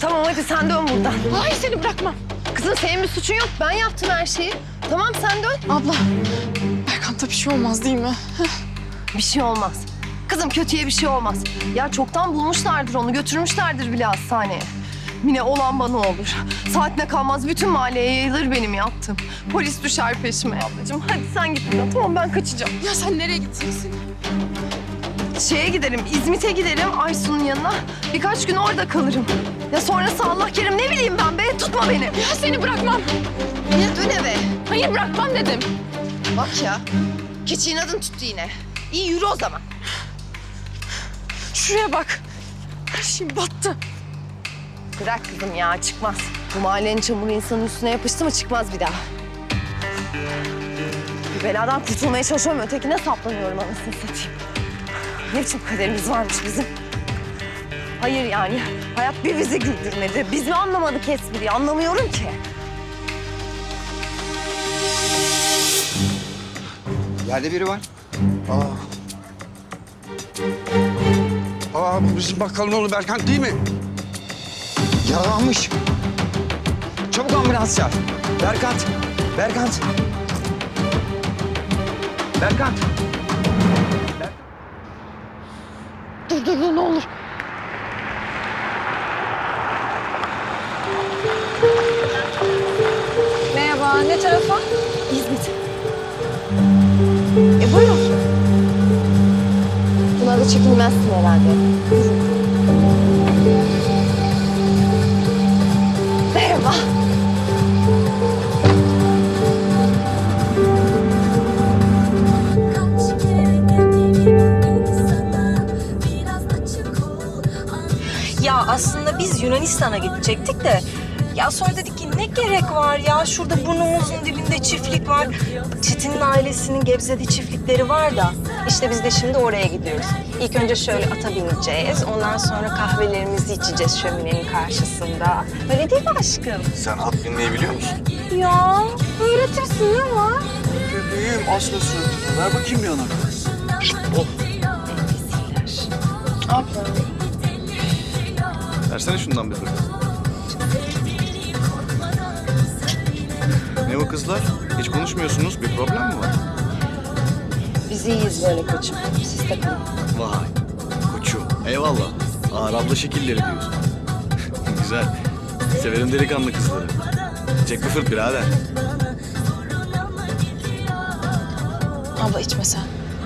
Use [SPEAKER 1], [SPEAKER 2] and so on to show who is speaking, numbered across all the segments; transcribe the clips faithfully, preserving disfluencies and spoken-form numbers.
[SPEAKER 1] Tamam hadi sen dön buradan.
[SPEAKER 2] Hayır seni bırakmam.
[SPEAKER 1] Kızım senin bir suçun yok. Ben yaptım her şeyi. Tamam sen dön.
[SPEAKER 2] Abla, Berkant'a bir şey olmaz değil mi?
[SPEAKER 1] Bir şey olmaz. Kızım kötüye bir şey olmaz. Ya çoktan bulmuşlardır onu, götürmüşlerdir bile hastaneye. Mine olan bana olur. Saatine kalmaz bütün mahalleye yayılır benim yaptım. Polis düşer peşime ablacığım. Hadi sen git buradan. Tamam ben kaçacağım.
[SPEAKER 2] Ya sen nereye gideceksin?
[SPEAKER 1] Şeye giderim, İzmit'e giderim Aysun'un yanına. Birkaç gün orada kalırım. Ya sonrası Allah kerim ne bileyim ben be. Tutma beni.
[SPEAKER 2] Ya seni bırakmam.
[SPEAKER 1] Mine dön eve.
[SPEAKER 2] Hayır bırakmam dedim.
[SPEAKER 1] Bak ya. Keçi inadın tuttu yine. İyi yürü o zaman.
[SPEAKER 2] Şuraya bak. Her şey battı.
[SPEAKER 1] Bırak kızım ya çıkmaz. Bu mahallenin çamuru insanın üstüne yapıştı mı çıkmaz bir daha. Bir beladan kurtulmaya çalışıyorum ötekine saplanıyorum anasını satayım. Ne biçim kaderimiz varmış bizim. Hayır yani hayat bir bizi güldürmedi. Biz mi anlamadık espriyi anlamıyorum ki.
[SPEAKER 3] Yerde biri var. Aa. Aa bu bizim bakkalın oğlu Berkant değil mi? Yaralanmış. Çabuk ambulans çağır. Berkant. Berkant. Berkant.
[SPEAKER 2] Dur dur dur ne olur. Merhaba, ne tarafa?
[SPEAKER 1] İzmit. E buyurun. Buna da çekinmezsin herhalde. Merhaba.
[SPEAKER 4] Ya aslında biz Yunanistan'a gidecektik de ya sonra dedik ki ne gerek var ya şurada burnumuzun dibinde çiftlik var. Çetin'in ailesinin Gebze'de çiftlikleri var da işte biz de şimdi oraya gidiyoruz. İlk önce şöyle ata bineceğiz. Ondan sonra kahvelerimizi içeceğiz şöminenin karşısında. Öyle değil mi aşkım?
[SPEAKER 5] Sen at binmeyi biliyor musun?
[SPEAKER 4] Ya öğretirsin ne var?
[SPEAKER 5] Bebeğim asla suratını. Ver bakayım bir yana. Oh.
[SPEAKER 2] Abla.
[SPEAKER 5] Versene şundan bir fırça. Ne o kızlar? Hiç konuşmuyorsunuz. Bir problem mi var?
[SPEAKER 1] Biz iyiyiz böyle koçum. Siz takılın.
[SPEAKER 5] Vay. Koçum. Eyvallah. Ağır abla şekilleri diyorsun. Güzel. Severim delikanlı kızları. Çek bir fırt birader.
[SPEAKER 2] Abla içme sen.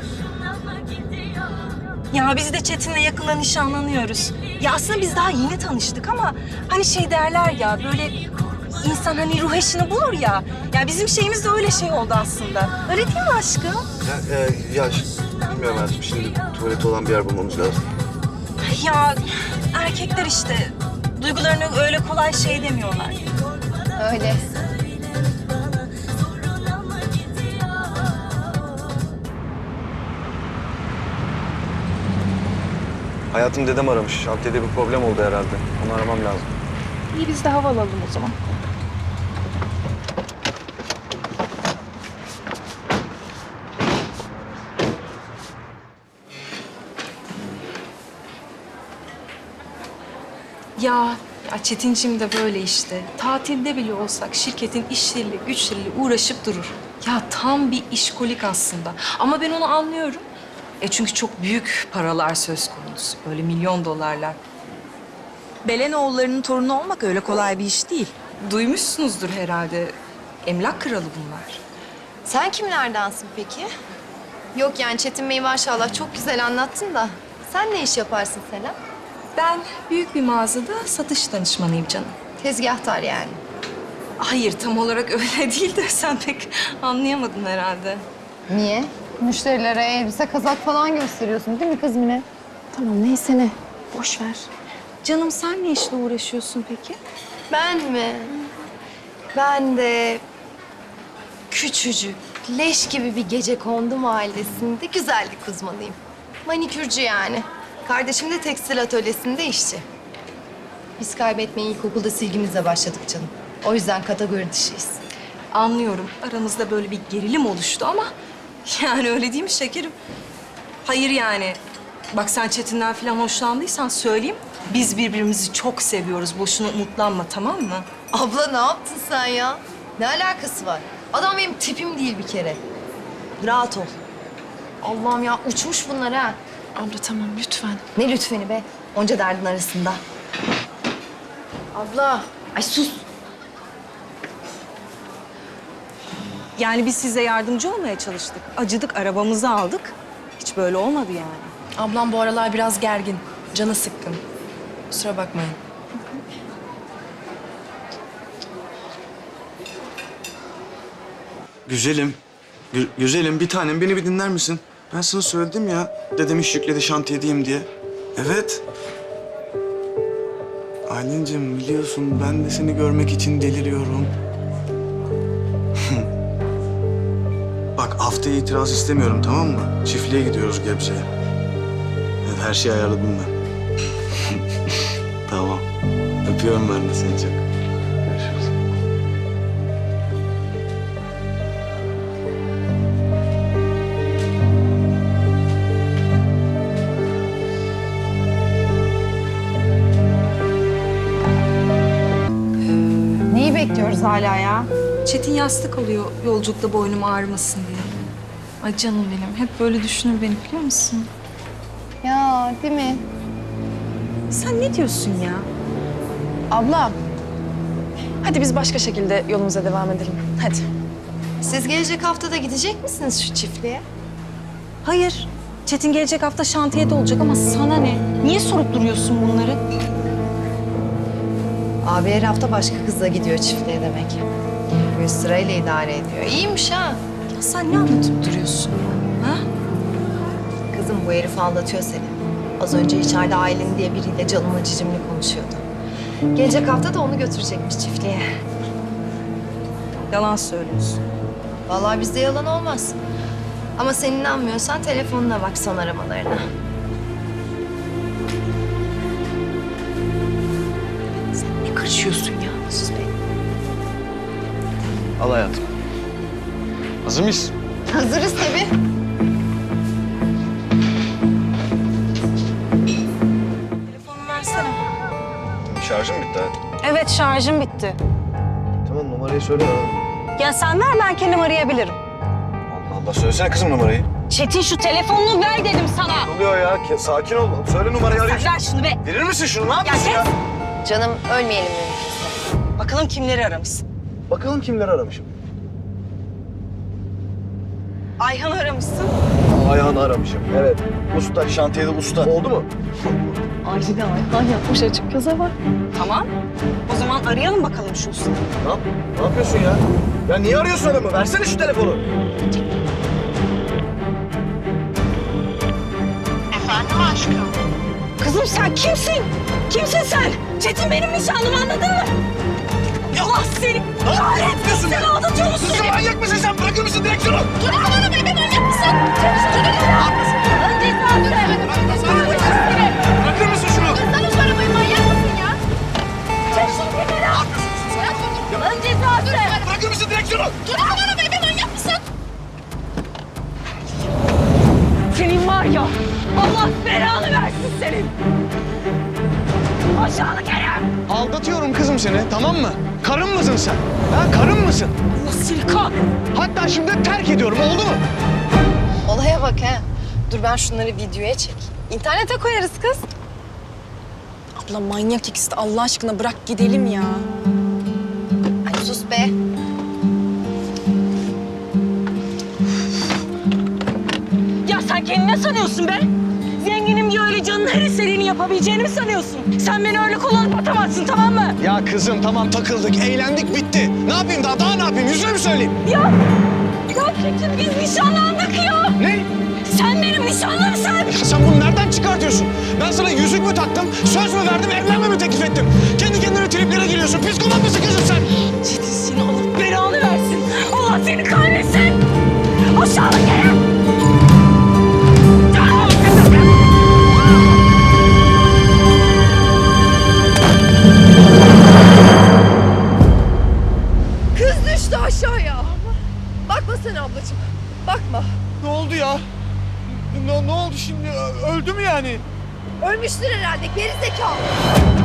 [SPEAKER 4] Ya biz de Çetin'le yakında nişanlanıyoruz. Ya aslında biz daha yeni tanıştık ama hani şey derler ya böyle insan hani ruh eşini bulur ya. Ya bizim şeyimiz de öyle şey oldu aslında. Öyle değil mi aşkım?
[SPEAKER 5] Ya, e, ya bilmiyorum hayatım. Şimdi tuvaleti olan bir yer bulmamız lazım.
[SPEAKER 4] Ya erkekler işte duygularını öyle kolay şey demiyorlar.
[SPEAKER 1] Öyle.
[SPEAKER 5] Hayatım dedem aramış. Şantiyede bir problem oldu herhalde. Onu aramam lazım.
[SPEAKER 2] İyi biz de hava alalım o zaman.
[SPEAKER 6] Ya, ya Çetincim de böyle işte. Tatilde bile olsak şirketin işleriyle, güçleriyle uğraşıp durur. Ya tam bir işkolik aslında. Ama ben onu anlıyorum. E çünkü çok büyük paralar söz konusu. Böyle milyon dolarlar.
[SPEAKER 7] Belenoğullarının torunu olmak öyle kolay bir iş değil.
[SPEAKER 6] Duymuşsunuzdur herhalde. Emlak kralı bunlar.
[SPEAKER 1] Sen kimlerdensin peki? Yok yani Çetin Bey maşallah çok güzel anlattın da. Sen ne iş yaparsın Selam?
[SPEAKER 6] Ben büyük bir mağazada satış danışmanıyım canım.
[SPEAKER 1] Tezgahtar yani.
[SPEAKER 6] Hayır, tam olarak öyle değil de sen pek anlayamadın herhalde.
[SPEAKER 1] Niye? Müşterilere elbise, kazak falan gösteriyorsun değil mi kız Mine?
[SPEAKER 2] Tamam neyse ne. Boş ver.
[SPEAKER 6] Canım sen ne işle uğraşıyorsun peki?
[SPEAKER 1] Ben mi? Ben de küçücük, leş gibi bir gecekondu mahallesinde güzellik uzmanıyım. Manikürcü yani. Kardeşim de tekstil atölyesinde işçi. Biz kaybetmeye ilkokulda silgimizle başladık canım. O yüzden kategori dışıyız.
[SPEAKER 6] Anlıyorum. Aranızda böyle bir gerilim oluştu ama yani öyle değil mi şekerim? Hayır yani. Bak sen Çetin'den falan hoşlandıysan söyleyeyim.
[SPEAKER 4] Biz birbirimizi çok seviyoruz. Boşuna umutlanma, tamam mı?
[SPEAKER 1] Abla ne yaptın sen ya? Ne alakası var? Adam benim tipim değil bir kere. Rahat ol. Allah'ım ya uçmuş bunlar ha.
[SPEAKER 2] Abla tamam lütfen.
[SPEAKER 1] Ne lütfeni be? Onca derdin arasında. Abla. Ay sus.
[SPEAKER 4] Yani biz size yardımcı olmaya çalıştık. Acıdık, arabamızı aldık. Hiç böyle olmadı yani.
[SPEAKER 6] Ablam bu aralar biraz gergin. Canı sıkkın. Kusura bakmayın.
[SPEAKER 5] Güzelim. Gü- güzelim bir tanem beni bir dinler misin? Ben sana söyledim ya. Dedem iş yükledi şantiyedeyim diye. Evet. Aylin'cim biliyorsun ben de seni görmek için deliriyorum. Bak haftaya itiraz istemiyorum tamam mı? Çiftliğe gidiyoruz Gebze'ye. Evet her şeyi ayarladım ben. Tamam. Öpüyorum ben de seni çok. Görüşürüz.
[SPEAKER 1] Neyi bekliyoruz hala ya?
[SPEAKER 6] Çetin yastık alıyor yolculukta boynum ağrımasın diye. Ay canım benim. Hep böyle düşünür beni biliyor musun?
[SPEAKER 1] Ya değil mi?
[SPEAKER 4] Sen ne diyorsun ya?
[SPEAKER 2] Abla. Hadi biz başka şekilde yolumuza devam edelim. Hadi.
[SPEAKER 1] Siz gelecek hafta da gidecek misiniz şu çiftliğe?
[SPEAKER 4] Hayır. Çetin gelecek hafta şantiyede olacak ama sana ne? Niye sorup duruyorsun bunları?
[SPEAKER 1] Abi her hafta başka kızla gidiyor çiftliğe demek. Böyle sırayla idare ediyor. İyiymiş ha.
[SPEAKER 4] Ya sen ne anlatıp duruyorsun ya? Ha?
[SPEAKER 1] Kızım bu herif anlatıyor seni. Az önce içeride Aylin diye biriyle canımla cicimli konuşuyordu. Gelecek hafta da onu götürecekmiş çiftliğe.
[SPEAKER 4] Yalan söylüyorsun.
[SPEAKER 1] Vallahi bizde yalan olmaz. Ama sen inanmıyorsan telefonuna bak son aramalarına.
[SPEAKER 4] Ne karışıyorsun ya?
[SPEAKER 1] Sus be.
[SPEAKER 5] Al hayatım. Hazır mıyız?
[SPEAKER 1] Hazırız tabii.
[SPEAKER 4] Telefonumu versene.
[SPEAKER 5] Şarjım bitti hayatım.
[SPEAKER 4] Evet şarjım bitti.
[SPEAKER 5] Tamam numarayı söyle.
[SPEAKER 4] Ya sen ver ben kendim arayabilirim.
[SPEAKER 5] Allah Allah söylesene kızım numarayı.
[SPEAKER 4] Çetin şu telefonunu ver dedim sana.
[SPEAKER 5] Ne oluyor ya? Ke- Sakin ol. Söyle numarayı arayayım.
[SPEAKER 4] Ver şunu be.
[SPEAKER 5] Verir misin şunu? Ne yapıyorsun ya?
[SPEAKER 1] Canım ölmeyelim mümkünse.
[SPEAKER 4] Bakalım kimleri aramışsın.
[SPEAKER 5] Bakalım kimleri aramışım.
[SPEAKER 4] Ayhan aramışsın.
[SPEAKER 5] Ayhan'ı aramışım. Evet. Usta, şantiyede usta. Oldu mu?
[SPEAKER 2] Aylin'e Ayhan yapmış açık göze bak.
[SPEAKER 4] Tamam. O zaman arayalım bakalım şu ustayı.
[SPEAKER 5] Ne, yap ne yapıyorsun ya? Ya niye arıyorsun adamı? Versene şu telefonu.
[SPEAKER 4] Kızım sen kimsin? Kimsin sen? Çetin benim nişanlım anladın mı? Allah seni kahretsin. Sen aldatıyor musun?
[SPEAKER 5] Kızım manyak mısın sen? Bırakır mısın direksiyonu?
[SPEAKER 4] Telefonunu bebe manyak mısın? Önce
[SPEAKER 5] Bırakır mısın şunu?
[SPEAKER 4] Sana şu arabayı manyak mısın ya? Çek şu kenara. Önce zaten.
[SPEAKER 5] Bırakır mısın direksiyonu?
[SPEAKER 4] Telefonunu bebe manyak mısın? Senin var ya, Allah belanı versin senin. Aşağılık herif.
[SPEAKER 3] Aldatıyorum kızım seni tamam mı? Karın mısın sen? Ha karın mısın?
[SPEAKER 4] Allah seni kahretsin.
[SPEAKER 3] Hatta şimdi terk ediyorum oldu mu?
[SPEAKER 1] Olaya bak ha. Dur ben şunları videoya çek. İnternete koyarız kız.
[SPEAKER 2] Abla manyak ikisi de Allah aşkına bırak gidelim ya.
[SPEAKER 1] Ay sus be.
[SPEAKER 4] Ya sen kendini ne sanıyorsun be? Zenginim diye öyle canın her istediğini yapabileceğini mi sanıyorsun? Sen beni öyle kullanıp atamazsın tamam mı?
[SPEAKER 3] Ya kızım tamam takıldık, eğlendik bitti. Ne yapayım daha, daha ne yapayım? Yüzüne mi söyleyeyim?
[SPEAKER 4] Ya, ya Çetin biz nişanlandık ya.
[SPEAKER 3] Ne?
[SPEAKER 4] Sen benim nişanlımsın.
[SPEAKER 3] Ya sen bunu nereden çıkartıyorsun? Ben sana yüzük mü taktım, söz mü verdim, evlenme mi teklif ettim? Kendi kendine triplere giriyorsun. Psikopat mısın kızım sen?
[SPEAKER 4] Çetin seni Allah belanı versin. Allah seni kahretsin. Aşağılık herif.
[SPEAKER 1] Kız düştü aşağıya. Bakma sen ablacığım. Bakma.
[SPEAKER 3] Ne oldu ya? Ne, ne oldu şimdi? Öldü mü yani?
[SPEAKER 1] Ölmüştür herhalde, geri zekalı.